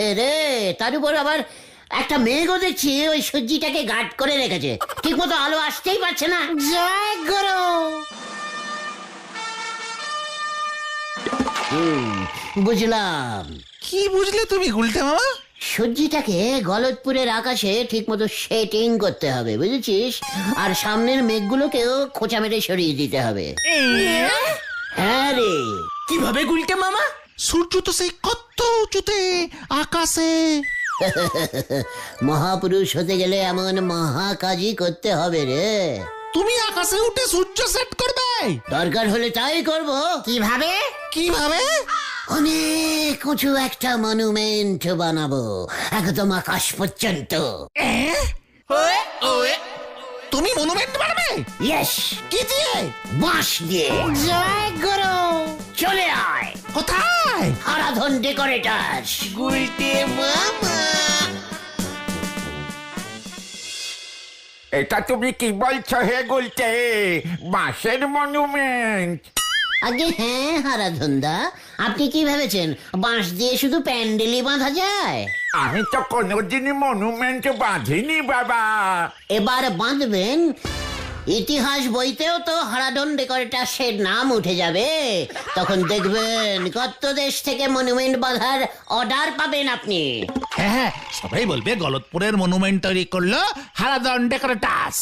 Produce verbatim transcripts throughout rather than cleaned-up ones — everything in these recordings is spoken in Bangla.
রে, তার উপর আবার একটা মেঘও দেখছি ওই সূর্যিটাকে গার্ড করে রেখেছে, ঠিক মতো আলো আসতেই পারছে না। জয় গুরু। হুম, বুঝলাম। কি বুঝলে তুমি গুলটে মামা? সূর্যিটাকে গলতপুরের আকাশে ঠিক মতো সেটিং করতে হবে, বুঝেছিস? আর সামনের মেঘগুলোকেও খোঁচা মেরে সরিয়ে দিতে হবে। হ্যাঁ রে। কিভাবে গুলটে মামা? সূর্য তো সেই কত উঁচুতে আকাশে। মহাপুরুষ হতে গেলে এমন মহা কাজই করতে হবে রে। তুমি আকাশে উঠে সূর্য সেট করবে? দরকার হলে তাই করব। কিভাবে? কিভাবে? অনেক উঁচু একটা মনুমেন্ট বানাবো, একদম আকাশ পর্যন্ত। তুমি মনুমেন্ট বানাবে? ইয়েস। কি দিয়ে? বাঁশ দিয়ে। জয় গুরু। চলে আয়। কোথায়? হারাধন ডেকোরেটার্স। গুলটে মামা, এটা তুমি কি বলছো হে গুলটে? বাঁশের মনুমেন্ট? আগে হ্যাঁ হারাধনদা, আপনি কি ভেবেছেন বাঁশ দিয়ে শুধু প্যান্ডেলই বাঁধা যায়? আমি তো কোনোদিনই মনুমেন্ট বাঁধিনি বাবা। এবার বাঁধবেন। ইতিহাস বইতেও তো হারাধন ডেকোরেটার্সের নাম উঠে যাবে। তখন দেখবেন কত দেশ থেকে মনুমেন্ট বাঁধার অর্ডার পাবেন আপনি। হ্যাঁ হ্যাঁ, সবাই বলবে গলতপুরের মনুমেন্ট তৈরি করলো হারাধন ডেকোরেটার্স।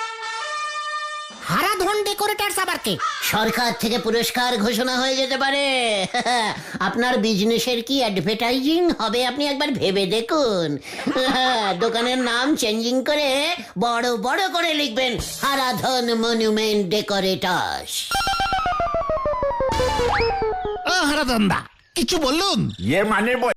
হারাধন ডেকোরেটার্স আবার কি? সরকার থেকে পুরস্কার ঘোষণা হয়ে যেতে পারে। আপনার বিজনেসের কি অ্যাডভার্টাইজিং হবে আপনি একবার ভেবে দেখুন। দোকানের নাম চেঞ্জিং করে বড় বড় করে লিখবেন হারাধন মনুমেন্ট ডেকোরেটার্স। ও হারাধন দা, কিছু বলুন। ইয়ে মানে